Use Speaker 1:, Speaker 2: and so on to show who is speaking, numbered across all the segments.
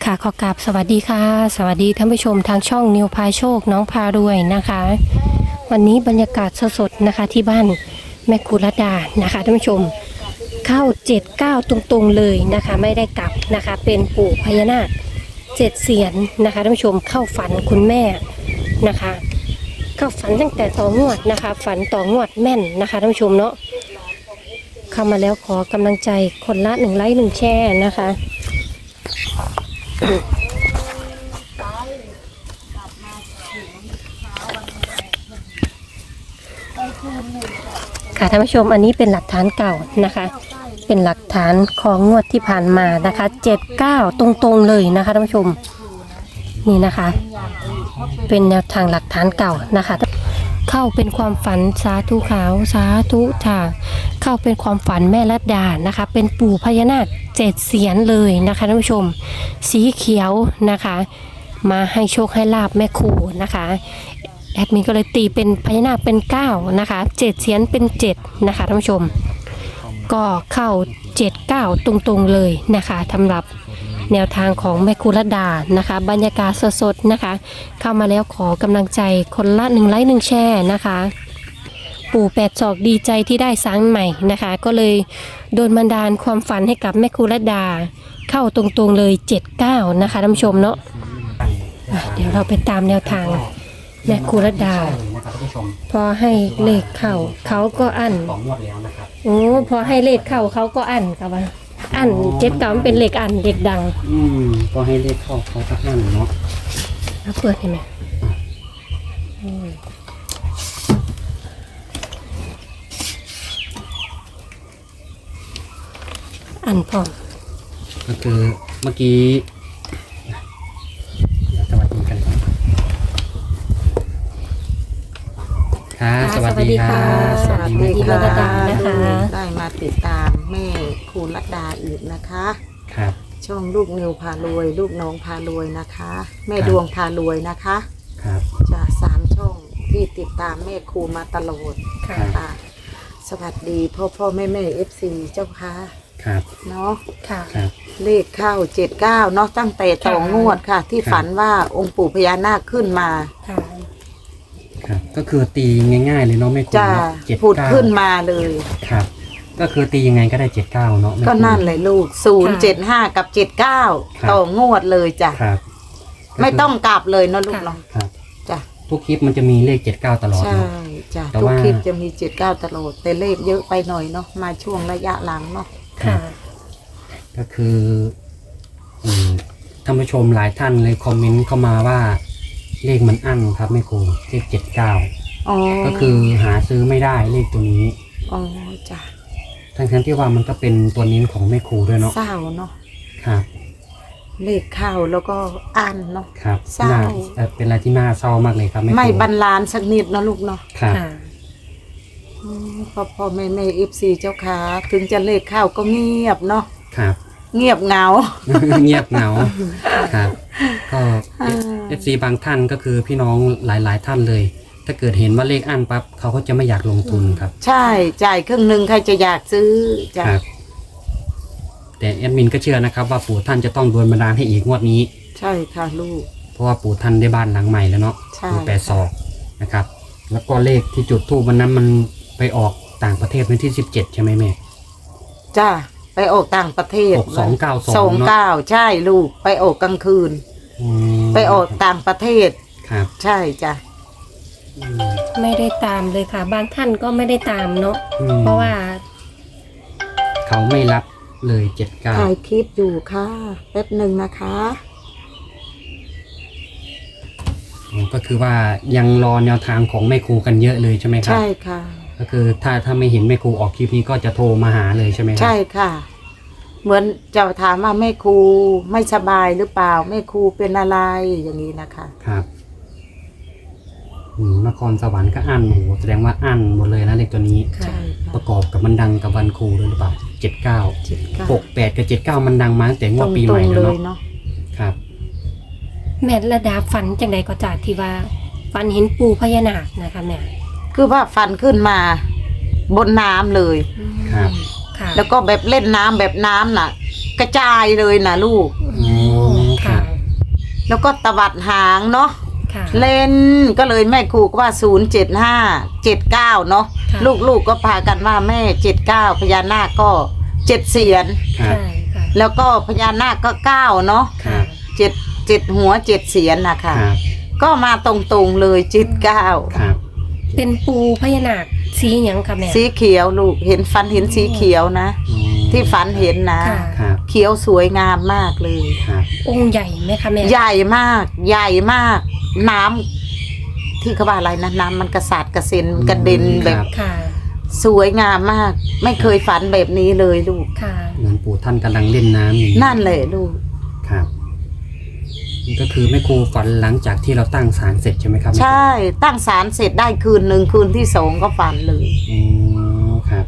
Speaker 1: ค่ะขอกราบสวัสดีค่ะสวัสดีท่านผู้ชมทางช่องนิวพาโชคน้องพารวยนะคะ วันนี้บรรยากาศสดๆนะคะที่บ้านแม่กุลดานะคะท่านผู้ชมเข้า79ตรงๆเลยนะคะไม่ได้กลับนะคะเป็นปู่พญานาค7เสียนนะคะท่านผู้ชมเข้าฝันคุณแม่นะคะเข้าฝันตั้งแต่ต่องวดนะคะฝันต่องวดแม่นนะคะท่านผู้ชมเนาะเข้ามาแล้วขอกำลังใจคนละ1 ไลค์ 1 แชร์นะคะค่ะท่านผู้ชมอันนี้เป็นหลักฐานเก่านะคะเป็นหลักฐานของงวดที่ผ่านมานะคะ79ตรงๆเลยนะคะท่านผู้ชมนี่นะคะเป็นแนวทางหลักฐานเก่านะคะเข้าเป็นความฝันสาธุขาวสาธุค่ะเข้าเป็นความฝันแม่ลัดดานะคะเป็นปู่พญานาค7เสียนเลยนะคะท่านผู้ชมสีเขียวนะคะมาให้โชคให้ลาบแม่ครูนะคะแอดมินก็เลยตีเป็นพญานาคเป็น9นะคะ7เสียนเป็น7นะคะท่านผู้ชมก็เข้า79ตรงๆเลยนะคะสำหรับแนวทางของแม่ครูลัดดานะคะบรรยากาศสดๆนะคะเข้ามาแล้วขอกำลังใจคนละ1 ไลค์ 1 แชร์นะคะปู่8 ศอกดีใจที่ได้สร้างใหม่นะคะก็เลยโดนบันดาลความฝันให้กับแม่ครูลัดดาเข้าตรงๆเลย79นะคะท่านผู้ชมเนาะเดี๋ยวเราไปตามแนวทางแม่ครูลัดดาพอให้เลขเข้าเขาก็อั้นโอ้พอให้เลขเข้าเขาก็อั้นกับว่าอั้น79มันเป็นเลขอั้นเลขดัง
Speaker 2: พอให้เลขเข้าเขาก็อั้นเนาะ
Speaker 1: เปิดให้ไหมอันพร้อม
Speaker 2: ก็คือเมื่อกี้สวัสดีกันค่ะสวัสดีค่ะ
Speaker 1: สวัสดีค่ะนะคะ
Speaker 3: ได้มาติดตามแม่ครูลัดดาอีกนะคะ
Speaker 2: ครับ
Speaker 3: ช่องลูกนิวพารวยลูกน้องพารวยนะคะแม่ดวงพารวยนะคะ
Speaker 2: ครับ
Speaker 3: จะ3 ช่องที่ติดตามแม่ครูมาตลอดค่ะสวัสดีพ่อแม่FC เจ้าค่ะ
Speaker 2: ครับ
Speaker 3: เนาะ
Speaker 1: ค่ะ
Speaker 3: เลขเข้า79เนาะตั้งแต่ต่องวดค่ะที่ฝันว่าองค์ปู่พญานาคขึ้นมา
Speaker 2: ครับก็คือตีง่ายๆเลยเนาะไม่คุ้น
Speaker 3: ผุดขึ้นมาเลย
Speaker 2: ครับก็คือตียังไงก็ได้79เนาะ
Speaker 3: ก็นั่นเลยลูก075กับ79ต่องวดเลยจ้ะ
Speaker 2: ครับ
Speaker 3: ไม่ต้องกลับเลยเนาะลูกเนาะ
Speaker 2: ครับ
Speaker 3: จ้ะ
Speaker 2: ทุกคลิปมันจะมีเลข79ตลอด
Speaker 3: ใช่จ้ะทุกคลิปจะมี79ตลอดแต่เลขเยอะไปหน่อยเนาะมาช่วงระยะหลังเนาะ
Speaker 1: ค่ะ
Speaker 2: ก็คือท่านผู้ชมหลายท่านเลยคอมเมนต์เข้ามาว่าเลขมันอั้นครับแม่ครูเลข79ก็คือหาซื้อไม่ได้เลขตัวนี้
Speaker 3: อ๋อจ้ะ
Speaker 2: ทั้งที่ว่ามันก็เป็นตัวนี้ของแม่ครูด้วยเนาะ
Speaker 3: เศร้าเนาะ
Speaker 2: ครับ
Speaker 3: เลขเข้าแล้วก็อั้นเนาะ
Speaker 2: ครับ
Speaker 3: เศร้า
Speaker 2: เป็นอะไรที่น่าเศร้ามากเลยครับแม่ครู
Speaker 3: ไม่บรรลานสักนิดเนาะลูกเนาะ
Speaker 2: ครับ
Speaker 3: พ่อแม่FC เจ้าค่ะถึงจะเลขเข้าก็เงียบเนาะ
Speaker 2: ครับ
Speaker 3: เงียบเหงา
Speaker 2: เงียบเหงาครับก็FC บางท่านก็คือพี่น้องหลายท่านเลยถ้าเกิดเห็นว่าเลขอั้นปั๊บเขาก็จะไม่อยากลงทุนครับ
Speaker 3: ใช่จ่ายครึ่งหนึ่งใครจะอยากซื้อจ้ะ
Speaker 2: แต่แอดมินก็เชื่อนะครับว่าปู่ท่านจะต้องโดนบันดาลให้อีกงวดนี้
Speaker 3: ใช่ค่ะลูก
Speaker 2: เพราะว่าปู่ท่านได้บ้านหลังใหม่แล้วเนาะปู่8 ศอกนะครับแล้วก็เลขที่จุดธูปวันนั้นมันไปออกต่างประเทศวันที่17ใช่ไหมแม่
Speaker 3: จ้าไปออกต่างประเทศ
Speaker 2: 292
Speaker 3: ใช่ลูกไปออกกลางคืนไปออกต่างประเทศ
Speaker 2: ครับ
Speaker 3: ใช่จ้ะ
Speaker 1: ไม่ได้ตามเลยค่ะบางท่านก็ไม่ได้ตามเนาะเพราะว่า
Speaker 2: เขาไม่รับเลย79
Speaker 3: ถ่ายคลิปอยู่ค่ะแป๊บหนึ่งนะคะ
Speaker 2: ก็คือว่ายังรอแนวทางของแม่ครูกันเยอะเลยใช่ไหมครับ
Speaker 3: ใช่ค่ะ
Speaker 2: ก็คือถ้าไม่เห็นแม่ครูออกคลิปนี้ก็จะโทรมาหาเลยใช่ไหมครับ
Speaker 3: ใช่ค่ะเหมือนจะถามว่าแม่ครูไม่สบายหรือเปล่าแม่ครูเป็นอะไรอย่างนี้นะคะ
Speaker 2: ครับนครสวรรค์ก็อั้นโหแสดงว่าอั้นหมดเลยนะเลขตัวนี้
Speaker 3: ใช่
Speaker 2: ประกอบกับมันดังกับวันครูด้วยหรือเปล่า79 68กับ79มันดังมาตั้งแต่งวดปีใหม่แล้วเนาะครับ
Speaker 1: แม่ระดาฝันจังใดก็จากที่ว่าฝันเห็นปู่พญานาคนะคะแม่
Speaker 3: คือว่าฝันขึ้นมาบนน้ำเลย
Speaker 2: ครับ
Speaker 3: แล้วก็แบบเล่นน้ำแบบน้ำน่ะกระจายเลยนะลูก
Speaker 1: ค่ะ
Speaker 3: แล้วก็ตวัดหางเนาะ
Speaker 1: ค่ะ
Speaker 3: เล่นก็เลยแม่ครูก็ว่า07579เนาะ
Speaker 1: ค่ะ
Speaker 3: ลูกๆก็พากันว่าแม่79พญานาคก็7เสียน
Speaker 2: ครับ
Speaker 1: ใช่ค่ะ
Speaker 3: แล้วก็พญานาคก็9เนาะ
Speaker 2: ครับ
Speaker 3: 7หัว7เสียนนะคะ
Speaker 2: ครับ
Speaker 3: ก็มาตรงๆเลย79
Speaker 2: ครับ
Speaker 1: เป็นปูพญานาคสีหยังค่ะแม่
Speaker 3: สีเขียวลูกเห็นฝันเห็นสีเขียวนะ
Speaker 2: อืม
Speaker 3: ที่ฝันเห็นนะ
Speaker 1: ค่ะ
Speaker 2: ครับ
Speaker 3: เขียวสวยงามมากเลย
Speaker 2: ครับ
Speaker 1: องค์ใหญ่ไหมคะแม่
Speaker 3: ใหญ่มากใหญ่มาก น้ำที่เขาว่าอะไรนะน้ำมันกระสาดกระเซ็นกระเด็นแบบ
Speaker 1: ค่ะ
Speaker 3: สวยงามมาก ไม่เคยฝันแบบนี้เลยลูก
Speaker 1: ค่ะ
Speaker 2: เหมือนปู่ท่านกำลังเล่นน้ำอย่าง
Speaker 3: นั่นแหละลูก
Speaker 2: ครับนี่ก็คือแม่ครูฝันหลังจากที่เราตั้งศาลเสร็จใช่ไหมครับ
Speaker 3: ใช่ตั้งศาลเสร็จได้คืนหนึ่งคืนที่สองก็ฝันเลย
Speaker 2: อ๋อครับ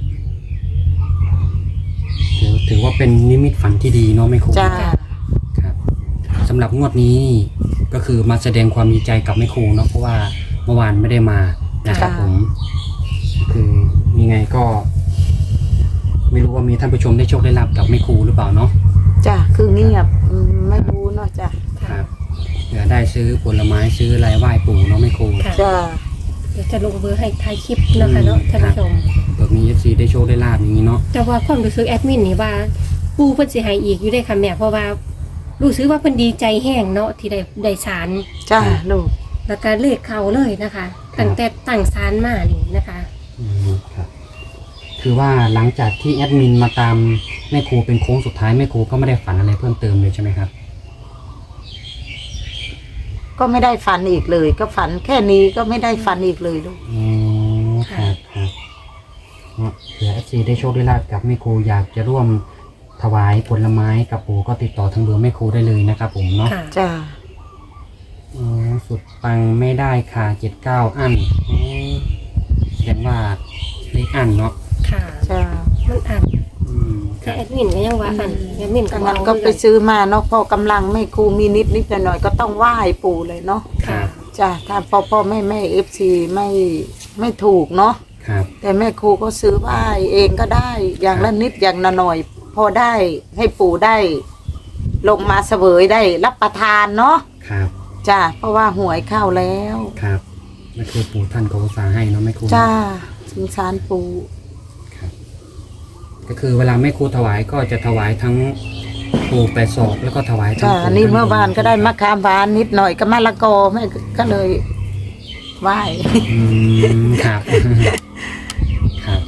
Speaker 2: ถือว่าเป็นนิมิตฝันที่ดีเนาะแม่ครู
Speaker 3: จ้า
Speaker 2: ครับสำหรับงวดนี้ก็คือมาแสดงความดีใจกับแม่ครูเนาะเพราะว่าเมื่อวานไม่ได้มานะครับผมคือยังไงก็ ไม่รู้ว่ามีท่านผู้ชมได้โชคได้ลาบกับแม่ครูหรือเปล่าเนาะ
Speaker 3: จ้าคือเงียบไม่รู้เนาะจ้า
Speaker 2: ครับเผื่อได้ซื้อผลไม้ซื้ออะไรไหว้ปู่เนาะแม่ครู
Speaker 1: ค่ะ
Speaker 3: จ้า
Speaker 1: เดี๋ยวจะลงเบอร์ให้ท้ายคลิปนะคะเนาะท่านผู้ชม
Speaker 2: เผื่อมี FC ได้โชคได้ลาบอย่างนี้เนาะ
Speaker 1: แต่ว่าความรู้สึกแอดมินนี่ว่า ปูเพิ่นสิให้อีกอยู่ได้ค่ะแม่เพราะว่ารู้สึกว่าเพิ่นดีใจแห้งเนาะที่ได้สาร
Speaker 3: จ้าลูก
Speaker 1: แล้วก็เลขเข้าเลยนะคะตั้งแต่ตั้งสารมานี่นะคะ
Speaker 2: ครับคือว่าหลังจากที่แอดมินมาตามแม่ครูเป็นโค้งสุดท้ายแม่ครูก็ไม่ได้ฝันอะไรเพิ่มเติมเลยใช่ไหมครับ
Speaker 3: ก็ไม่ได้ฝันอีกเลย ก็ฝันแค่นี้ก็ไม่ได้ฝันอีกเลยลูก
Speaker 2: อ๋อครับครับเนาะเผื่อ FC ได้โชคได้ลาบกับแม่ครูอยากจะร่วมถวายผลไม้กับปู่ก็ติดต่อทางเบอร์แม่ครูได้เลยนะครับผมเนาะ
Speaker 1: ค่ะ
Speaker 3: จ้า
Speaker 2: อ๋อสุดปังไม่ได้ค่ะ79อันอ๋อแสดงว่าเลขอันเนาะ
Speaker 1: ค่ะ
Speaker 3: จ้า
Speaker 1: มันอ่าน
Speaker 2: ค
Speaker 1: แต่
Speaker 2: รับ
Speaker 1: แอดมินก็ยังว่าอันแอดมินก็
Speaker 3: ดัง
Speaker 1: ว่า
Speaker 3: นั้นก็ไปซื้อมาเนาะพอกำลังแม่ครูมีนิดหน่อยๆก็ต้องไหว้ปู่เลยเนาะ
Speaker 2: ครับ
Speaker 3: จ้าถ้าพ่อแม่FC ไม่ถูกเนาะ
Speaker 2: ครับ
Speaker 3: แต่แม่ครูก็ซื้อไหว้เองก็ได้อย่างละนิดอย่างละหน่อย พอได้ให้ปู่ได้ ลงมาเสวยได้รับประทานเนาะ
Speaker 2: ครับ
Speaker 3: จ้าเพราะว่าหวยเข้าแล้ว
Speaker 2: ครับนั่นคือปู่ท่านก็อุตส่าห์ให้เนาะแม่ครู
Speaker 3: จ้าสงสารปู่
Speaker 2: ครับก็คือเวลาแม่ครูถวายก็จะถวายทั้งปู่แปดศอกแล้วก็ถวายทั้ง
Speaker 3: จ้า
Speaker 2: ปู่
Speaker 3: นี่
Speaker 2: ทั้ง
Speaker 3: เมื่อวานก็ได้มะขามหวานนิดหน่อยก็มะละกอแม่ก็เลยไหว้
Speaker 2: อืมครับ ครับ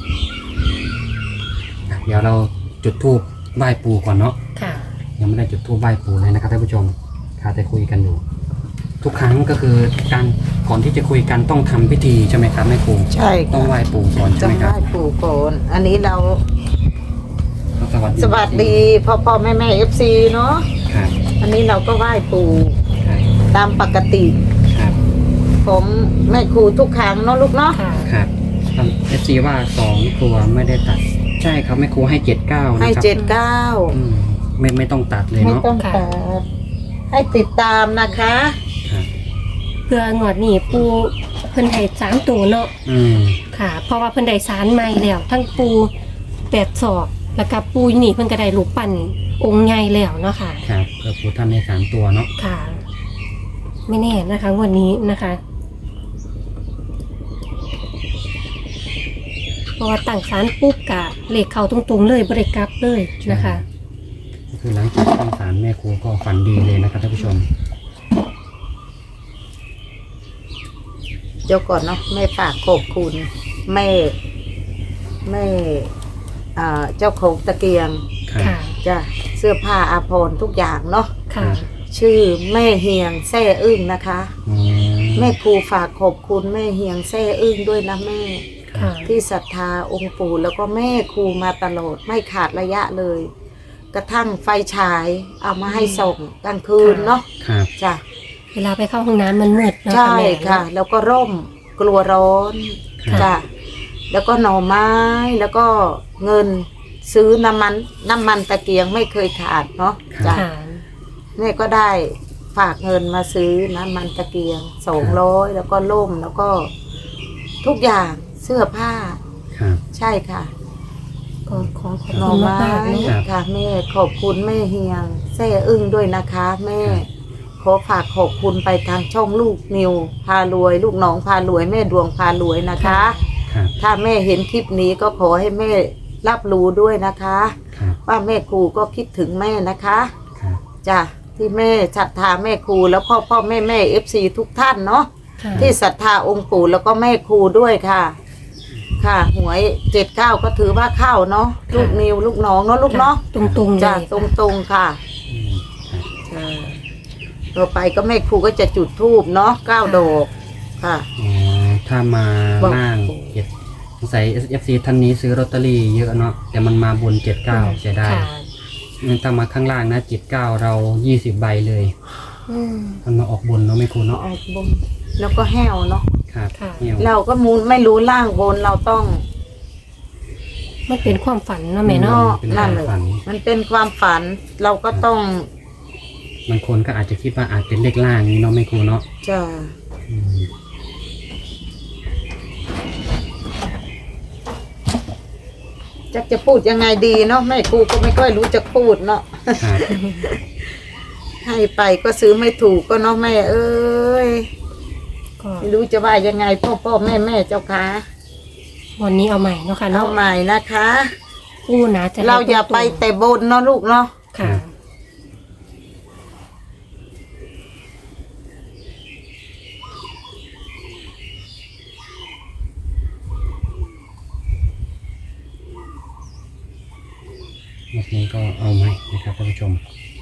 Speaker 2: เดี๋ยวเราจุดธูปไหว้ปู่ก่อนเนาะ
Speaker 1: ค่ะ
Speaker 2: ยังไม่ได้จุดธูปไหว้ปู่เลยนะครับท่านผู้ชมค่ะแต่คุยกันอยู่ ทุกครั้งก็คือการก่อนที่จะคุยกันต้องทำพิธีใช่ไหมครับแม่ครู
Speaker 3: ใช่
Speaker 2: ต้องไหว้ปู่ก่อนใช่
Speaker 3: จะ
Speaker 2: ไหม
Speaker 3: ไห
Speaker 2: ครั
Speaker 3: ว้
Speaker 2: บ
Speaker 3: ปู่ก่อนอันนี้เรา
Speaker 2: สวัสดี
Speaker 3: สวัสดีพ่อแม่FC เนาะ
Speaker 2: ครับ
Speaker 3: อันนี้เราก็ไหว้ปู่
Speaker 2: ครับ
Speaker 3: ตามปกติ
Speaker 2: ครับ
Speaker 3: ผมแม่ครูทุกครั้งเนาะลูกเนาะ
Speaker 1: ค่ะ
Speaker 2: ครับเอฟซีว่า2 ตัวไม่ได้ตัด ใช่ครับแม่ครูให้79นะ
Speaker 3: ให้
Speaker 2: ครับ
Speaker 3: 79
Speaker 2: อืมไม่ต้องตัดเลย
Speaker 3: ไม่
Speaker 2: เนาะ
Speaker 3: ต้องตัดให้ติดตามนะคะ
Speaker 2: ครับ
Speaker 1: เพื่องวดนี้ปูเพิ่นให้3ตัวเนาะ
Speaker 2: อืม
Speaker 1: ค่ะ เพราะว่าเพิ่นได้สารใหม่แล้วทั้งปู8ศอกแล้วก็ปูอยู่นี่เพิ่นก็ได้รูปปั้นองค์ใหญ่แล้วเนาะค่ะ
Speaker 2: ครับก็ปู่ท่านให้3 ตัวเนาะ
Speaker 1: ค่ะ ไม่แน่นะคะวันนี้นะคะ เพราะว่าตั้งสารปุ๊บกะเลขเข้าตรงๆเลยบริกลับเลยนะคะ
Speaker 2: ก็คือหลังจากตั้งศาลแม่ครูก็ฝันดีเลยนะครับท่านผู้ชม
Speaker 3: เดี๋ยวก่อนเนาะแม่ฝากขอบคุณแม่เจ้าของตะเกียง
Speaker 2: ครับ
Speaker 1: ค่ะ
Speaker 3: จ้ะเสื้อผ้าอาภรณ์ทุกอย่างเนาะ
Speaker 1: ค่ะ
Speaker 3: ชื่อแม่เฮียงแซ่อึ้งนะคะ
Speaker 2: อืม
Speaker 3: แม่ครูฝากขอบคุณแม่เฮียงแซ่อึ้งด้วยนะแม่
Speaker 2: ครับ
Speaker 3: ที่ศรัทธาองค์ปู่แล้วก็แม่ครูมาตลอดไม่ขาดระยะเลย กระทั่งไฟฉายเอามาให้ส่งกลางคืนเนาะ
Speaker 2: ครับ
Speaker 3: จ้ะ
Speaker 1: เวลาไปเข้าห้องน้ำมันมืดเนาะ
Speaker 3: ใช่
Speaker 1: แม่
Speaker 3: ค่ะ แล้วก็ร่มกลัวร้อน
Speaker 2: ครับ
Speaker 3: จ้ะแล้วก็หน่อไม้แล้วก็เงินซื้อน้ำมันตะเกียงไม่เคยขาดเนาะจ้ะ
Speaker 1: ค่ะ
Speaker 3: แม่ก็ได้ฝากเงินมาซื้อน้ำมันตะเกียง200แล้วก็ล่มแล้วก็ทุกอย่างเสื้อผ้า
Speaker 2: ครับ
Speaker 3: ใช่ค่ะ
Speaker 1: ก็ขอขอบ
Speaker 3: หน่อ
Speaker 1: คุณ
Speaker 3: ไม้
Speaker 1: มากๆเนาะ
Speaker 3: ค่ะแม่ขอบคุณแม่เฮียงแซ่อึ้งด้วยนะคะ แม่ขอฝากขอบคุณไปทางช่องลูกนิวพารวย ลูกน้องพารวยแม่ดวงพารวยนะคะ
Speaker 2: ครับ
Speaker 3: ถ้าแม่เห็นคลิปนี้ก็ขอให้แม่รับรู้ด้วยนะคะ
Speaker 2: ครับ
Speaker 3: ว่าแม่ครูก็คิดถึงแม่นะคะ
Speaker 2: ครับ
Speaker 3: จ้ะที่แม่ศรัทธาแม่ครูแล้วพ่อแม่FC ทุกท่านเนาะ
Speaker 1: ค่ะ
Speaker 3: ที่ศรัทธาองค์ปู่แล้วก็แม่ครูด้วยค่ะ ค่ะหวย79ก็ถือว่าเข้าเนาะลูกนิวลูกน้องเนาะลูกเนาะ
Speaker 1: ตรงๆเลย
Speaker 3: จ้ะ
Speaker 1: ค่ะ
Speaker 3: ตรงๆค่ะ
Speaker 2: อืมครับ
Speaker 3: จ้ะต่อไปก็แม่ครูก็จะจุดธูปเนาะ9 ดอกค่ะ
Speaker 2: อ๋อถ้ามา
Speaker 3: บอก
Speaker 2: ล่างเจ็ดสงสัย FC ท่านนี้ซื้อลอตเตอรี่เยอะเนาะแต่มันมาบน79เสียดาย
Speaker 1: ค่ะ
Speaker 2: ถ้ามาข้างล่างนะ79เรา20ใบเลย
Speaker 1: อืม
Speaker 2: มันมาออกบนเนาะไม่ครูเนาะ
Speaker 3: ออกบนแล้วก็แห้วเนาะ
Speaker 2: ครับ
Speaker 1: ค่ะ
Speaker 2: เนี่ย
Speaker 3: เราก็มูไม่รู้ล่างบนเราต้อง
Speaker 1: มันเป็นความฝันเนาะแม่เนาะ
Speaker 2: เป็นความฝัน
Speaker 3: มันเป็นความฝันเราก็ต้อง
Speaker 2: บางคนก็อาจจะคิดว่าอาจเป็นเลขล่างนี้เนาะไม่ครูเนาะ
Speaker 3: จะ
Speaker 2: อืม
Speaker 3: จะพูดยังไงดีเนาะแม่ครูก็ไม่ค่อยรู้จะพูดเนาะ
Speaker 2: ครับ
Speaker 3: ให้ไปก็ซื้อไม่ถูกก็เนาะแม่เอ้ย
Speaker 1: ก็
Speaker 3: ไม่รู้จะว่ายังไงพ่อแม่เจ้าค่ะ
Speaker 1: วันนี้เอาใหม่เนาะค่ะ
Speaker 3: เอา
Speaker 1: เนาะ
Speaker 3: ใหม่นะคะ
Speaker 1: กู้นะจะ
Speaker 3: เราอย่าไปแต่บนเนาะลูกเนาะ
Speaker 1: ค่ะ
Speaker 2: วันนี้ก็เอาใหม่นะครับท่านผู้ชม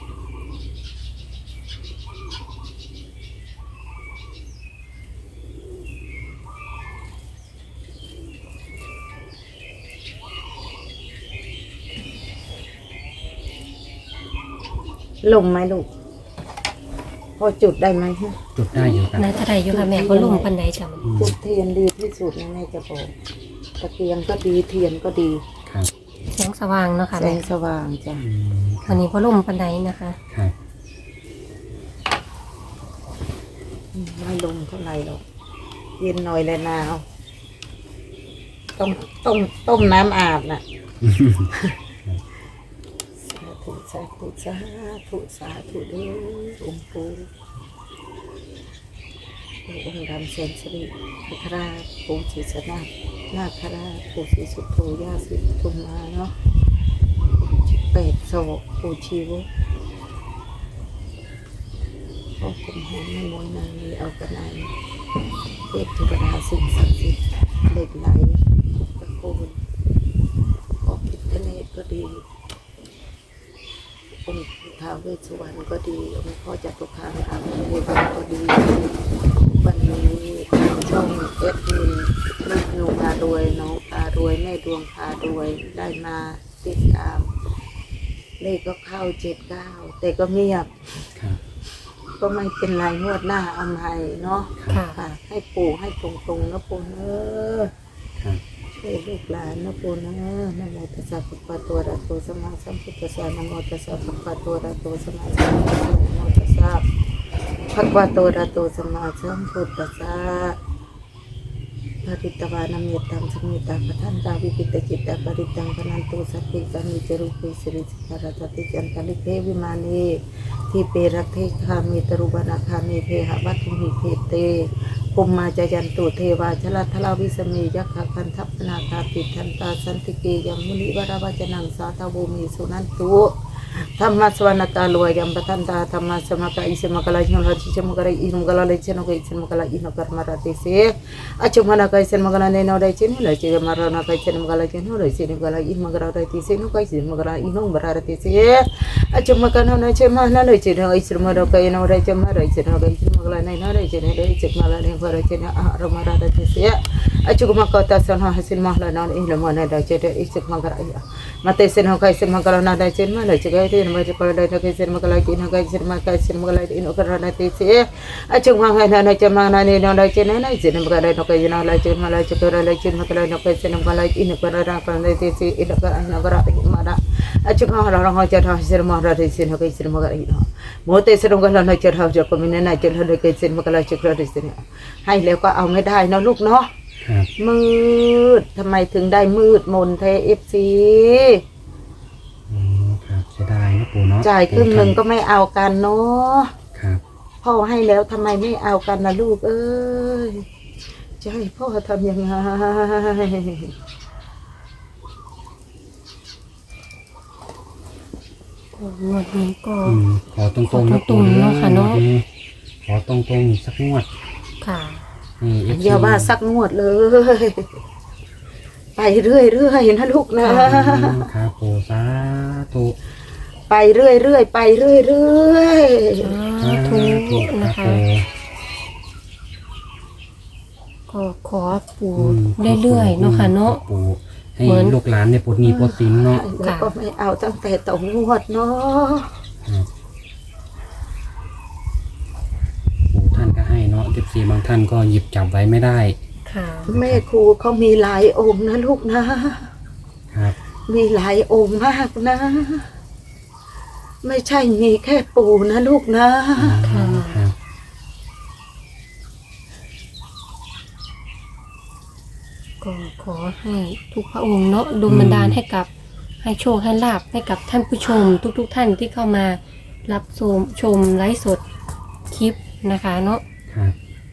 Speaker 3: ลงไหมลูกพอจุดได้ไหม
Speaker 2: จุดได้อยู่ครับ
Speaker 1: น่าจะได้อยู่ค่ะแม่ก็ลุ่มปันไดจ้ะมัน
Speaker 2: อืม
Speaker 3: จุดเทียนดีที่สุดนะแม่จะบอกตะเกียงก็ดีเทียนก็ดี
Speaker 2: ครับ
Speaker 1: แสงสว่างเนาะค่ะ
Speaker 3: แส
Speaker 1: แม่
Speaker 3: งสว่างจ้ะ
Speaker 2: อืมค
Speaker 1: วั
Speaker 2: รั
Speaker 1: น
Speaker 2: บ
Speaker 1: นี้ก็ลุ่มปันไดนะคะ
Speaker 2: ครับ
Speaker 3: ไม่ลงเท่าไหร่หรอกเย็นหน่อยเลยนาวต้มน้ำอาบน่ะ สาธุสาธุสาธุเด้อองค์ปู่องค์ดำเซนสริพระราชปู่ศรีสนานาคราชปู่ศรีสุโธย่าศรีปทุมมาเนาะ8 ศอกปู่ชีวกพ่อคุณหอมไม่มวยนางนี้เอากระไนเทพธิดาสิ่งศักดิ์สิทธิ์เหล็กไหลตะโกนพ่อพิฆเนศก็ดีองค์ท้าวเวสสุวรรณก็ดีองค์พ่อจตุคามรามเทวาก็ดีวันนี้ทางช่องเอฟมีลูกหนูพารวยน้องพารวยแม่ดวงพารวยได้มาติดตามเลขก็เข้า79แต่ก็เงียบ
Speaker 2: ครับ
Speaker 3: ก็ไม่เป็นไรงวดหน้าเอาใหม่เนาะ
Speaker 1: ค่ะ
Speaker 3: ค่ะให้ปู่ให้ตรงๆนะปู่เออ
Speaker 2: ครับ
Speaker 3: ช่วยลูกหลานนะปู่นะนะโมตัสสะภะคะวะโตอะระหะโตสัมมาสัมพุทธัสสะนะโมตัสสะภะคะวะโตอะระหะโตสัมมาสัมพุทธัสสะนะโมตัสสะภะคะวะโตอะระหะโตสัมมาสัมพุทธัสสะปริตตวานามิตังสมิตาปทันตาวิปิตจิตตาปริตังพนันตุสัพเพกามิจรุปิสิริสิการะติจันตลิเทวิมานีที่เปรักเทคามิตรุบานาคามิเพหะวัตถุหิเพเตปุมมาจยันตุเทวาชลทลาวิสเมยักขคันทัพนาคาติทันตาสันติเกยังมุนิวราวจนังสาตาบูมิสุนันตุธรรมสวรรณกาลวยยังปทันตาธรรมสมกะอิสมกะลาหินราชิจมกะลาอินมกะลาเลชนกะอิสมกะลาอินกะรมราติเสอจุมนะกะอิสมกะลาเนนอไดเชนเลจิมารนะกะอิสมกะลาเจนเลจิมกะลาอินมกะลาไดติเสนกะอิสมกะลาอินงบราติเสอจุมกะนะนะเชมนะเลจินะอิสมะกะอินอไดเจมะไรเจนะกะอิสมกะลาเนนอไดเจนะเลจิมะลาเนกะไรเจนะอะรมราติเสอจุมกะตาสนะหสินมะลานะอินละมะนะไดเจนะอิสมกะลามาเตเสนกะอิสมกะลานะไดเจนะเลจิกะอินมะกะลาไดนะกะอิสมกะลาอินกะอิสมกะอิสมกะลาอินกะราติเสอจุมกะนะนะเจมะนะเนนอไดเจนะอิสมกะลานะกะอินลาเจนะลาเจกะลาเจนะกะลานะกะอิสมกะลาอินกะรานะกะราติเสอินกะอินกะราอิมานะอจุมกะนะนะเจนะอิสมกะลาอิสนะกะอิสมกะลาอินโมเตเสนกะลานะเจนะจะกะมินะนะเจนะกะอิสมกะลาเจกะราติเสให้แล้วก็เอาไม่ได้เนาะลูกเนาะ
Speaker 2: ครับ
Speaker 3: มืดทำไมถึงได้มืดมนเทเอฟซี
Speaker 2: ครับเสียดายนะปู่เนาะ
Speaker 3: จ่ายครึ่งหนึ่งก็ไม่เอากันเนาะ
Speaker 2: ครับ
Speaker 3: พ่อให้แล้วทำไมไม่เอากันนะลูกเอ้ยจะให้พ่อทำยังไง
Speaker 1: งวดนี้ก็
Speaker 2: ขอตรงๆนะ
Speaker 1: ขอตรงๆเนาะค่ะเนาะ
Speaker 2: ขอตรงๆสักงวด
Speaker 1: ค่ะ
Speaker 2: นี่ FC
Speaker 3: อย่าว่าสักงวดเลย ไปเรื่อยๆนะลูกนะ
Speaker 2: ครับปู่สาธุ
Speaker 3: ไปเรื่อยๆไปเรื่อย
Speaker 1: สาธุ
Speaker 2: ค
Speaker 1: นะ
Speaker 2: รับ
Speaker 1: คะ
Speaker 2: ปู่
Speaker 1: ก็ขอปู่เรื่อยๆเนาะค่ะเนาะ
Speaker 2: ปู่ให้
Speaker 1: เหมือน
Speaker 2: ลูกหลานเนี่ยปลดหนี้ปลดสินเนาะ
Speaker 3: ๆแล้วก็ไม่เอาตั้งแต่ต่องวดเนาะ
Speaker 2: ครับปู่ท่านก็ให้เนาะ14บางท่านก็หยิบจับไว้ไม่ได้
Speaker 1: ค่ะ
Speaker 3: แม่ครูเขามีหลายองค์นะลูกนะ
Speaker 2: ครับ
Speaker 3: มีหลายองค์มากนะ ไม่ใช่มีแค่ปู่นะลูกนะ
Speaker 1: ค่ะ
Speaker 2: ครับ
Speaker 1: ก็ขอให้ทุกพระองค์เนาะดลบันดาลให้กับให้โชคให้ลาบให้กับท่านผู้ชมทุกๆท่านที่เข้ามารับชมไลฟ์สดคลิปนะคะเนาะ
Speaker 2: ครับ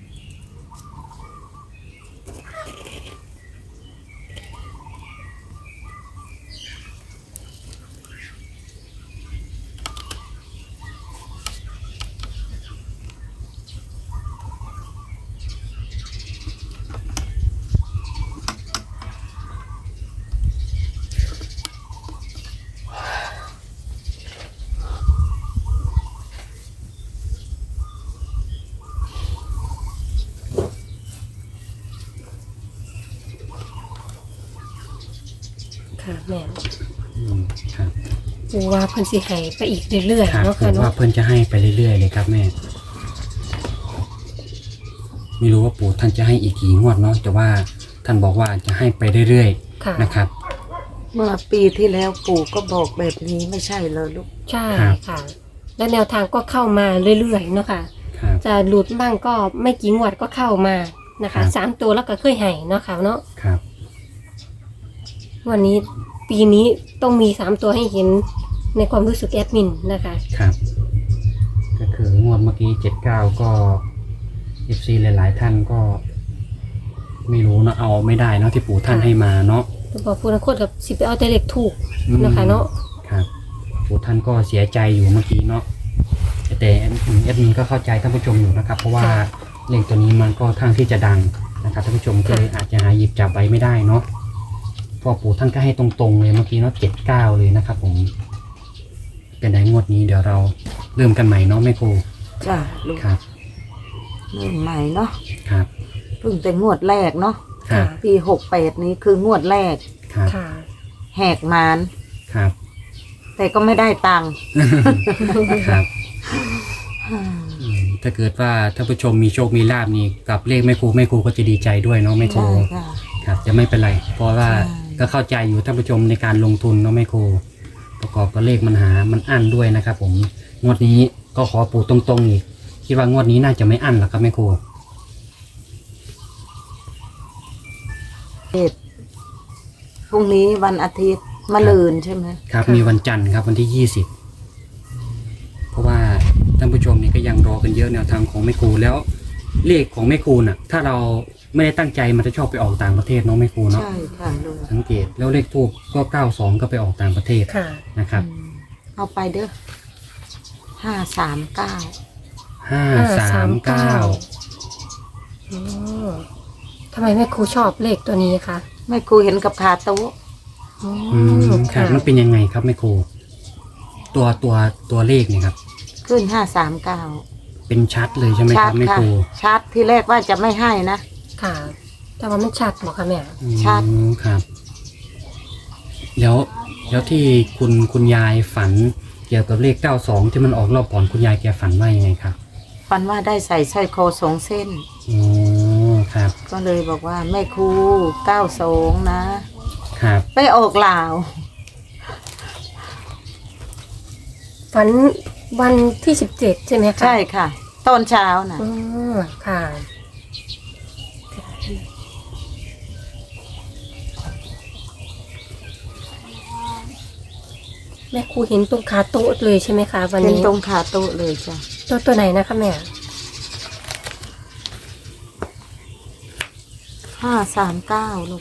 Speaker 1: ค่ะแม่
Speaker 2: ครับ
Speaker 1: ปูว่าเพิ่นสิให้ไปอีกเรื่อย
Speaker 2: ครับ
Speaker 1: ๆเนาะ
Speaker 2: ผ
Speaker 1: ค่ะ
Speaker 2: มว่า
Speaker 1: เนาะ
Speaker 2: เพิ่นจะให้ไปเรื่อยๆเลยครับแม่ ไม่รู้ว่าปู่ท่านจะให้อีกกี่งวดเนาะแต่ว่าท่านบอกว่าจะให้ไปเรื่อย
Speaker 1: ค่ะ
Speaker 2: ๆนะครับ
Speaker 3: เมื่อปีที่แล้วปู่ก็บอกแบบนี้ไม่ใช่เลยลูก
Speaker 1: ใช่
Speaker 2: ครับ
Speaker 1: ค่ะ และแนวทางก็เข้ามาเรื่อยๆเนาะค่ะ
Speaker 2: ครับ
Speaker 1: จะหลุดบ้างก็ไม่กี่งวดก็เข้ามานะ
Speaker 2: ครั
Speaker 1: คะ
Speaker 2: บ
Speaker 1: 3 ตัวแล้วก็เคยให้เนาะค่ะเนาะ
Speaker 2: ครับ
Speaker 1: วันนี้ปีนี้ต้องมี3ตัวให้เห็นในความรู้สึกแอดมินนะคะ
Speaker 2: ครับ ก็คืองวดเมื่อกี้79ก็ FC หลายๆท่านก็ ไม่รู้เนาะเอาไม่ได้เนาะที่ปู่ท่านให้มาเนาะ
Speaker 1: จะบอกผู้นักโทษกับสิไปเอาแต่เล็กถูกนะคะเนาะ
Speaker 2: ครับปู่ท่านก็เสียใจอยู่เมื่อกี้เนาะแต่แอดมินก็เข้าใจท่านผู้ชมอยู่นะครับ เพราะว่าเลขตัวนี้มันก็ทางที่จะดังนะครับท่านผู้ชมก็เลยอาจจะหาหยิบจับไว้ไม่ได้เนาะเพราะปู่ท่านก็ให้ตรงๆเลยเมื่อกี้เนาะ79เลยนะครับผมเป็นไงงวดนี้เดี๋ยวเราเริ่มกันใหม่เนาะแม่ครู
Speaker 3: จ้าลูก
Speaker 2: ครับ
Speaker 3: เริ่มใหม่เนาะ
Speaker 2: ครับ
Speaker 3: เพิ่งแต่งวดแรกเนาะ
Speaker 2: ครับ
Speaker 3: ปี68นี้คืองวดแรก
Speaker 2: ครับ
Speaker 1: ค่ะ
Speaker 3: แหกมาน
Speaker 2: ครับ
Speaker 3: แต่ก็ไม่ได้ตังค์
Speaker 2: ครับถ้าเกิดว่าท่านผู้ชมมีโชคมีลาบนี่กับเลขแม่ครูก็จะดีใจด้วยเนาะแม่ครู
Speaker 3: ใช่ค่ะ
Speaker 2: ครับจะไม่เป็นไร เพราะว่า
Speaker 3: ใช่
Speaker 2: ก็เข้าใจอยู่ท่านผู้ชมในการลงทุนเนาะแม่ครูประกอบกับเลขมันอั้นด้วยนะครับผมงวดนี้ก็ขอปู่ตรงๆอีกคิดว่างวดนี้น่าจะไม่อั้นหรอกครับแม่ครู
Speaker 3: พรุ่งนี้วันอาทิตย์มะรืนใช่ไหม
Speaker 2: ครับมีวันจันทร์ครับวันที่20เพราะว่าท่านผู้ชมนี่ก็ยังรอกันเยอะแนวทางของแม่ครูแล้วเลขของแม่ครูน่ะ ถ้าเราไม่ได้ตั้งใจมันจะชอบไปออกต่างประเทศเนาะแม่ครูเนาะ
Speaker 3: ใช่ค่ะลูก
Speaker 2: สังเกตแล้วเลขทูบก็92ก็ไปออกต่างประเทศ
Speaker 1: ค่ะ
Speaker 2: นะครับ
Speaker 3: เอาไปเด้อ539
Speaker 2: 539
Speaker 1: อืมทำไมแม่ครูชอบเลขตัวนี้คะ
Speaker 3: แม่ครูเห็นกับขาโต๊ะ
Speaker 2: อืมครับมันเป็นยังไงครับแม่ครูตัวเลขเนี่ยครับ
Speaker 3: ขึ้น539
Speaker 2: เป็นชัดเลยใช่ไหมค
Speaker 3: ชั
Speaker 2: รั
Speaker 3: ด
Speaker 2: บแม่
Speaker 3: ค่ะ
Speaker 2: ครู
Speaker 3: ชัดที่แรกว่าจะไม่ให้นะ
Speaker 1: ค่ะ แต่ว่ามันชัดเหรอคะแม่
Speaker 3: ชัด
Speaker 2: อืมครับแล้วที่คุณยายฝันเกี่ยวกับเลข92ที่มันออกรอบก่อนคุณยายแกฝันว่ายังไงครับ
Speaker 3: ฝันว่าได้ใส่สร้อยคอ2 เส้น
Speaker 2: อ๋อครับ
Speaker 3: ก็เลยบอกว่าแม่ครู92นะครับ ไปออกลาว
Speaker 1: ฝันวันที่17ใช่ไหมคะ
Speaker 3: ใช่ค่ะ ตอนเช้านะ
Speaker 1: อืมค่ะ แม่ครูเห็นตรงขาโต๊ะเลยใช่ไหมคะวัน
Speaker 3: เป็น
Speaker 1: นี้
Speaker 3: ตรงขาโต๊ะเลยจ้ะ
Speaker 1: ตัวไหนนะคะแม่
Speaker 3: 539ลูก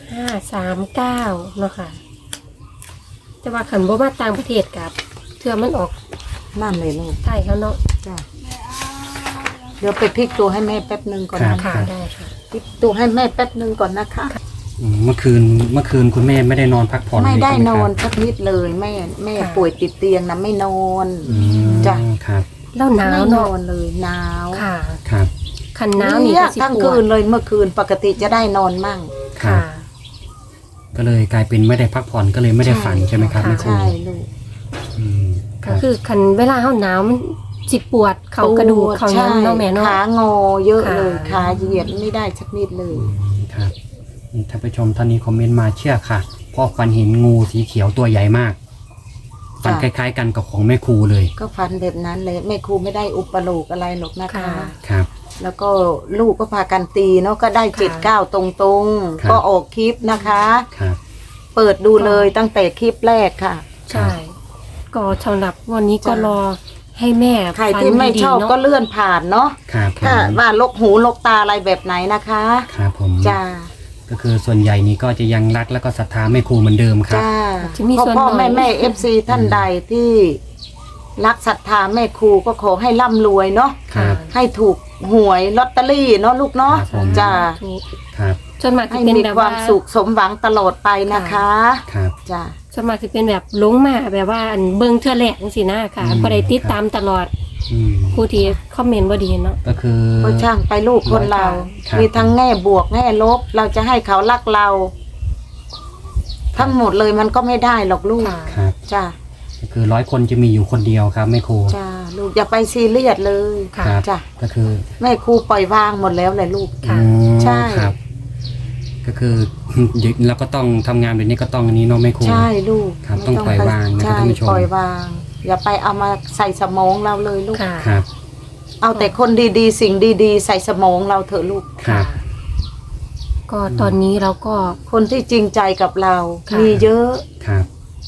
Speaker 1: 539เนาะค่ะแต่ว่าขันบ่มาต่างประเทศกับเทื่อมันออก
Speaker 3: นั่นเลยลูก
Speaker 1: ไทยเขาเนาะ
Speaker 3: จ้ะเดี๋ยวไปพลิกตัวให้แม่แป๊บนึงก่อนนะ
Speaker 1: ค่ะ
Speaker 3: คะ
Speaker 1: ได้ค่ะ
Speaker 3: พลิกตัวให้แม่แป๊บนึงก่อนนะคะ
Speaker 2: เมื่อคืนคุณแม่ไม่ได้นอนพักผ่อน
Speaker 3: ไม่ได้
Speaker 2: เลยใช่ห
Speaker 3: นอน
Speaker 2: ครับ
Speaker 3: สักนิดเลยแม่ป่วยติดเตียงนะไม่นอน
Speaker 2: อืม
Speaker 3: จ้ะ
Speaker 2: ครับ
Speaker 1: แล้วหนาว
Speaker 3: ไม่น
Speaker 1: เนาะ
Speaker 3: อนเลยหนาว
Speaker 1: ค่ะ
Speaker 2: ครับ
Speaker 1: ขันหนาวนี่
Speaker 3: เนี่ย
Speaker 1: ก็สิ
Speaker 3: ทั้ง
Speaker 1: ปว
Speaker 3: คื
Speaker 1: ด
Speaker 3: นเลยเมื่อคืนปกติจะได้นอนมั่ง
Speaker 2: ครับ ก็เลยกลายเป็นไม่ได้พักผ่อนก็เลยไม่ได้ฝันใช่ไหมครับ
Speaker 1: ค่ะ
Speaker 2: แม่ครู
Speaker 3: ใช่ลูก
Speaker 2: อืมค
Speaker 1: ก็
Speaker 2: รับ
Speaker 1: คือขันเวลาเฮาหนาวมันสิปวดเขากระดูกเขาหยังเนาะแม่เนาะ
Speaker 3: ขางอเยอะเลย
Speaker 1: ค่ะ
Speaker 3: ขาเหยียดไม่ได้สักนิดเลย
Speaker 2: ครับนี่ท่านผู้ชมท่านนี้คอมเมนต์มาเชื่อค่ะเพราะฟันเห็นงูสีเขียวตัวใหญ่มากฟันคล้ายๆกันกับของแม่ครูเลย
Speaker 3: ก็ฟันแบบนั้นเลยแม่ครูไม่ได้อุปโลกอะไรหรอกนะคะ
Speaker 1: ค่ะ
Speaker 2: ครับ
Speaker 3: แล้วก็ลูกก็พากันตีเนาะก็ได้
Speaker 1: ค่ะ
Speaker 3: 79ตรง
Speaker 2: ครับ
Speaker 3: ๆก็ออกคลิปนะคะ
Speaker 2: ครับ
Speaker 3: เปิดดูเลยตั้งแต่คลิปแรกค่ะ
Speaker 1: ใช่ ก็สำหรับวันนี้ก็
Speaker 3: จ้ะ
Speaker 1: รอให้แม่
Speaker 3: ใครที่ไม่ชอบ
Speaker 1: ฝันดีๆเนาะ
Speaker 3: ก็เลื่อนผ่านเนาะ
Speaker 2: ครับผม
Speaker 3: ถ้าว่าลกหูลกตาอะไรแบบไหนนะคะ
Speaker 2: ครับผม
Speaker 3: จ้า
Speaker 2: ก็คือส่วนใหญ่นี้ก็จะยังรักแล้วก็ศรัทธาแม่ครูเหมือนเดิมครับ
Speaker 3: จ้า
Speaker 1: จะมีส่วน
Speaker 3: พ่อ
Speaker 1: หน่อย
Speaker 3: แม่เอฟซีท่านใดที่รักศรัทธาแม่ครูก็ขอให้ร่ำรวยเนาะ
Speaker 2: ครับ
Speaker 3: ให้ถูกหวยลอตเตอรี่เนาะลูกเนาะ
Speaker 2: ครับผม
Speaker 3: จ้า
Speaker 1: ถูก
Speaker 2: ครับ
Speaker 1: ส่วนมาก
Speaker 3: ให้
Speaker 1: จะเป็น
Speaker 3: มี
Speaker 1: แบบ
Speaker 3: ควา
Speaker 1: ว่าม
Speaker 3: สุขสมหวังตลอดไปนะคะ
Speaker 2: ครับ
Speaker 3: จ้า
Speaker 1: ส่วนมากจะเป็นแบบหลงมาแบบว่าอันเบิ่งเทื่อแรกจังซี่นะค่ะ
Speaker 2: อืม
Speaker 1: บ่ได้ติดตามตลอด
Speaker 2: อืม
Speaker 1: ผู้ที่คอมเมนต์บ่ดีเนาะ
Speaker 2: ก็คือ
Speaker 3: ก็ช่างไปลูกคนเรา
Speaker 2: ครับ
Speaker 3: มีทั้งแง่บวกแง่ลบ เราจะให้เขารักเรา ทั้งหมดเลยมันก็ไม่ได้หรอกลูก
Speaker 1: ค่ะ
Speaker 2: ครับ
Speaker 3: จ้า
Speaker 2: ก็คือ100 คนจะมีอยู่คนเดียวครับแม่ครู
Speaker 3: จ้าลูกอย่าไปซีเรียสเลย
Speaker 1: ค่ะ
Speaker 2: ครับ
Speaker 3: จ้า
Speaker 2: ก็คือ
Speaker 3: แม่ครูปล่อยวางหมดแล้วเลยลูก
Speaker 1: ค่ะ
Speaker 2: อ๋อ
Speaker 3: ใช่
Speaker 2: ครับ ก็คือ แล้วก็ต้องทำงานแบบนี้ก็ต้องอันนี้เนาะแม่ครู
Speaker 3: ใช่ลูก
Speaker 2: ครับ
Speaker 3: ไม่
Speaker 2: ต้องปล่อยวางนะครับ
Speaker 3: ใช่
Speaker 2: ท่านผู้ชม
Speaker 3: ปล่อยวาง อย่าไปเอามาใส่สมองเราเลยลูก
Speaker 1: ค่ะ
Speaker 2: ครับ
Speaker 3: เอาแต่คนดีๆ สิ่งดีๆ ใส่สมองเราเถอะลูก
Speaker 2: ครับ
Speaker 1: ก็ตอนนี้เราก็
Speaker 3: คนที่จริงใจกับเรา
Speaker 1: ค่ะ
Speaker 3: มีเยอะ
Speaker 2: ครับ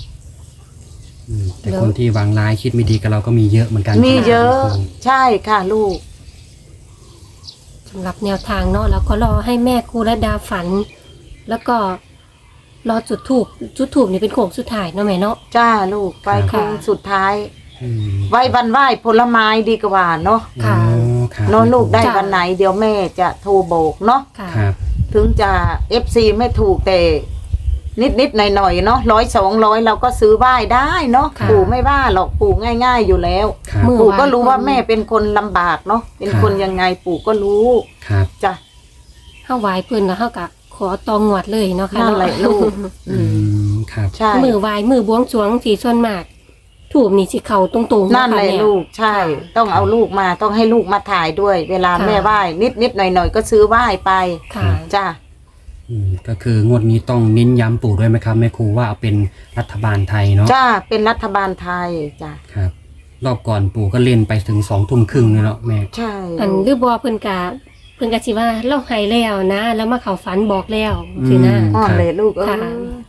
Speaker 2: แต่
Speaker 1: แล้ว
Speaker 2: คนที่วางร้ายคิดไม่ดีกับเราก็มีเยอะเหมือนกัน
Speaker 3: มีเยอะ
Speaker 2: ครับ
Speaker 3: ใช่ค่ะลูก
Speaker 1: สำหรับแนวทางเนาะแล้วก็รอให้แม่ครูและดาฝัน แล้วก็รอจุดถูกนี่เป็นโค้งสุดท้ายเนาะแม่เนาะ
Speaker 3: จ้าลูกไปโค้งสุดท้าย
Speaker 2: อืม
Speaker 3: ไว้วันไหว้ผลไม้ดีกว่าเนาะ
Speaker 1: ค่ะ
Speaker 2: อ๋อครับ
Speaker 3: เนาะลูกได้
Speaker 1: จ้ะ
Speaker 3: วันไหนเดี๋ยวแม่จะโทรโบกเนาะ
Speaker 1: ค่ะ
Speaker 2: ครับ
Speaker 3: ถึงจะ FC ไม่ถูกแต่นิดๆหน่อยๆเนาะ100-200เราก็ซื้อไหว้ได้เนาะ
Speaker 1: ค่ะ
Speaker 3: ปู่ไม่ว่าหรอกปู่ง่าย ๆอยู่แล้ว
Speaker 2: ครับ
Speaker 1: มือ
Speaker 3: ปู่ก็รู้ว่าแม่เป็นคนลำบากเนาะเป็นคนยังไงปู่ก็รู้
Speaker 2: ครับ
Speaker 3: จ้ะ
Speaker 1: เฮาไหว้เพิ่นแล้วเฮาก็ขอตองงวดเลยเนาะค่ะ
Speaker 3: นั่นแหละลูก
Speaker 2: อืมครับ
Speaker 3: ใช่
Speaker 1: มือไหว้มือบวงสรวงสีส่วนมาก ถูกนี่สิเข้าตรงๆ
Speaker 3: นั่นแหละ
Speaker 1: ค่
Speaker 3: ลูกใช่ ต้องเอาลูกมาต้องให้ลูกมาถ่ายด้วย เวลา
Speaker 1: ค่ะ
Speaker 3: แม่ไหว้นิดๆหน่อยๆก็ซื้อไหว้ไป
Speaker 1: ค่ะ
Speaker 3: จ้ะ
Speaker 2: ก็คืองวดนี้ต้องเน้นย้ำปู่ด้วยไหมครับแม่ครูว่าเอาเป็นรัฐบาลไทยเนาะ
Speaker 3: จ้าเป็นรัฐบาลไทยจ้ะ
Speaker 2: ครับ รอบก่อนปู่ก็เล่นไปถึง20:30เลยเนาะแม่
Speaker 3: ใช่
Speaker 1: อันหรือบ่เพิ่นก็สิว่าเราให้แล้วนะ แล้วมาเข้าฝันบอกแล้วสินะ
Speaker 3: อ้อนเลยลูกเออ
Speaker 1: ค่ะ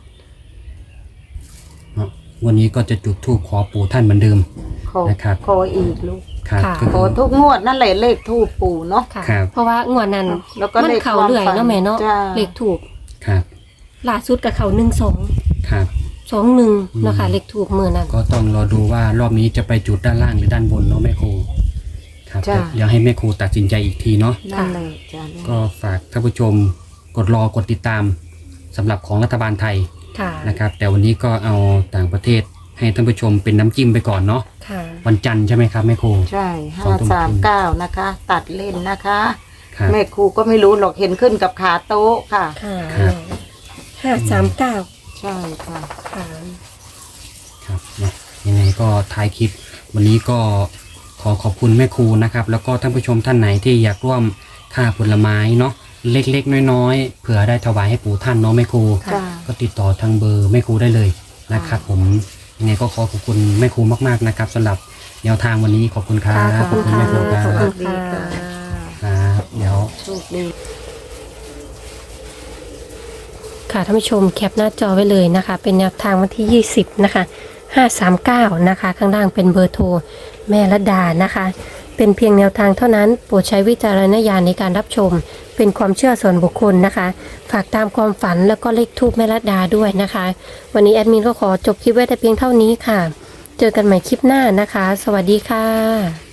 Speaker 2: วันนี้ก็จะจุดธูปขอปู่ท่านเหมือนเดิม
Speaker 3: ขอ
Speaker 2: นะครับ
Speaker 3: ขออีกลูก
Speaker 2: ครับ
Speaker 1: ค่ะ
Speaker 2: ก็
Speaker 3: ข
Speaker 2: คือ อ
Speaker 3: ทุกงวดนั่นแหละเลขทูปปู่เนาะ
Speaker 1: ค่ะ
Speaker 2: ครับ
Speaker 1: เพราะว่างวดนั้น
Speaker 3: แล้วก็
Speaker 1: มัน
Speaker 3: เลข
Speaker 1: เข้า
Speaker 3: ความ
Speaker 1: เรื่อย
Speaker 3: ฝัน
Speaker 1: เนาะแม่เนาะ
Speaker 3: จ้า
Speaker 1: เลขถูก
Speaker 2: ครับ
Speaker 1: ล่าสุดก็เข้า12
Speaker 2: ครับ
Speaker 1: 21เนาะค่ะเลขถูกมื้อนั้น
Speaker 2: ก็ต้องรอดูว่ารอบนี้จะไปจุดด้านล่างหรือด้านบนเนาะแม่ครูครับ
Speaker 3: จ้ะ
Speaker 2: เดี๋ยวให้แม่ครูตัดสินใจอีกทีเนาะ
Speaker 3: นั่นแหละจ้ะลูก
Speaker 2: ก็ฝากท่านผู้ชมกดติดตามสำหรับของรัฐบาลไทย
Speaker 1: ค่ะ
Speaker 2: นะครับ แต่วันนี้ก็เอาต่างประเทศให้ท่านผู้ชมเป็นน้ำจิ้มไปก่อนเนาะ
Speaker 1: ค่ะ
Speaker 2: วันจันทร์ใช่ไหมครับแม่ครู
Speaker 3: ใช่ 539นะคะ ตัดเล่นนะคะ
Speaker 2: ครับ
Speaker 3: แม่ครูก็ไม่รู้หรอกเห็นขึ้นกับขาโต๊ะค่ะ
Speaker 1: ค่ะ
Speaker 2: ครับ
Speaker 1: 539
Speaker 3: ใช่ค่ะ
Speaker 1: ค่ะ
Speaker 2: ครับนะยังไงก็ท้ายคลิป วันนี้ก็ขอขอบคุณแม่ครูนะครับ แล้วก็ท่านผู้ชมท่านไหนที่อยากร่วมค่าผลไม้เนาะเล็กๆน้อยๆเผื่อได้ถวายให้ปู่ท่านเนาะแม่ครู
Speaker 1: ค่ะ
Speaker 3: จ้า
Speaker 2: ก็ติดต่อทางเบอร์แม่ครูได้เลยนะครับผมยังไงก็ขอขอบคุณแม่ครูมากๆนะครับสำหรับแนวทางวันนี้ขอบคุณครับ
Speaker 1: ค่ะ
Speaker 2: ขอบคุณแม่ครูครั
Speaker 1: ขอบ
Speaker 3: สวั
Speaker 1: คุ
Speaker 3: ส
Speaker 1: ณ
Speaker 3: ดีค่ะ
Speaker 2: ครับเดี๋ยว
Speaker 3: โชคดี
Speaker 1: ค่ะท่านผู้ชมแคปหน้าจอไว้เลยนะคะ เป็นแนวทางวันที่ 20 นะคะ 539 นะคะ ข้างล่างเป็นเบอร์โทรแม่ระดานะคะเป็นเพียงแนวทางเท่านั้นโปรดใช้วิจารณญาณในการรับชมเป็นความเชื่อส่วนบุคคลนะคะ ฝากตามความฝันแล้วก็เลขทูปแม่รัตดาด้วยนะคะ วันนี้แอดมินก็ขอจบคลิปไว้แต่เพียงเท่านี้ค่ะ เจอกันใหม่คลิปหน้านะคะ สวัสดีค่ะ